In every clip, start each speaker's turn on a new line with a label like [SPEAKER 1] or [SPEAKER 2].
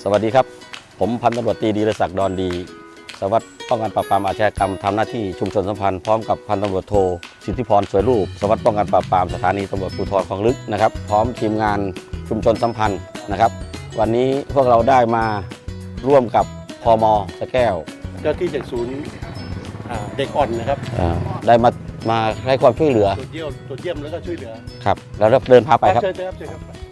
[SPEAKER 1] สวัสดีครับผมพันตำรวจตรีดีรศักดิ์ดอนดีสารวัสดิ์ป้องกันปราบปรามอาชญากรรมทำหน้าที่ชุมชนสัมพันธ์พร้อมกับพันตำรวจโทสิทธิพรสวยรูปสารวัสดิ์ป้องกันปราบปรามสถานีตำรวจภูธรคลองลึกนะครับพร้อมทีมงานชุมชนสัมพันธ์นะครับวันนี้พวกเราได้มาร่วมกับพม.สะแก้ว
[SPEAKER 2] เจ้าที่จากศูนย์เด็กอ่อนนะครับ
[SPEAKER 1] ได้มาให้ความช่วยเหลือ
[SPEAKER 2] ตรวจเยี่ยมแล้วก็ช่วยเหลือ
[SPEAKER 1] ครับแล้วเดินพาไปครับ
[SPEAKER 2] เชิญครับ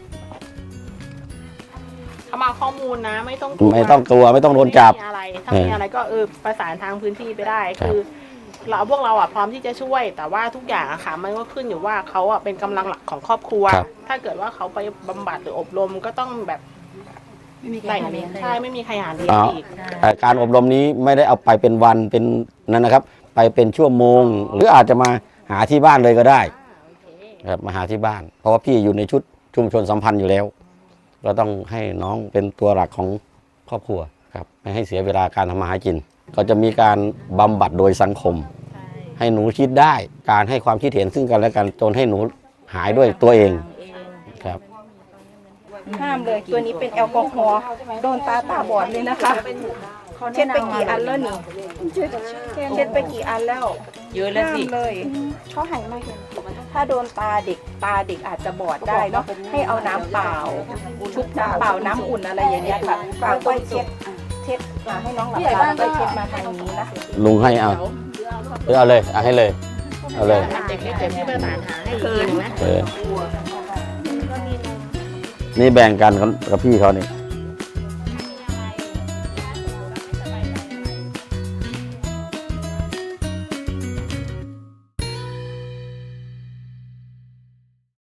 [SPEAKER 3] เขามาข้อมูลนะไม่ต้อง
[SPEAKER 1] กลัวไม่ต้องโดนจับ
[SPEAKER 3] อะไรถ้ามีอะไรก็ประสานทางพื้นที่ไปได้คือพวกเราพร้อมที่จะช่วยแต่ว่าทุกอย่างค่ะมันก็ขึ้นอยู่ว่าเขาเป็นกำลังหลักของครอบครัวถ้าเกิดว่าเขาไปบำบัดหรืออบรมก็ต้องแบบไม่มีใครหาเลี้ยงอีก
[SPEAKER 1] การอบรมนี้ไม่ได้เอาไปเป็นวันเป็นนั้นนะครับไปเป็นชั่วโมงหรืออาจจะมาหาที่บ้านเลยก็ได้ครับมาหาที่บ้านเพราะว่าพี่อยู่ในชุดชุมชนสัมพันธ์อยู่แล้วเราต้องให้น้องเป็นตัวหลักของครอบครัวครับไม่ให้เสียเวลาการทำมาหากินก็จะมีการบำบัดโดยสังคมให้หนูคิดได้การให้ความคิดเห็นซึ่งกันและกันจนให้หนูหายด้วยตัวเองครับ
[SPEAKER 4] ห้ามเลยตัวนี้เป็นแอลกอฮอล์โดนตาบอดเลยนะคะเช็ดไปกี่อันแล้วนี่เช็ดไปกี่อันแล้ว
[SPEAKER 3] เยอะแล้วสิ
[SPEAKER 4] เลยเขาหันมาเห็นถ้าโดนตาเด็กอาจจะบอดได้เนาะให้เอาน้ำเปล่าชุบน้ำเปล่าน้ำอุ่นอะไรอย่างเงี้ยค่ะเปล่าก็เช็ดให้น้องหลับตาก็เช็ดมาทางนี้นะ
[SPEAKER 1] ลุงให้เอาเลยให้เลยเอาเลย
[SPEAKER 3] เด็กที่ประสานหาให้คืนนะ
[SPEAKER 1] นี่แบ่งกันกับพี่เขานี่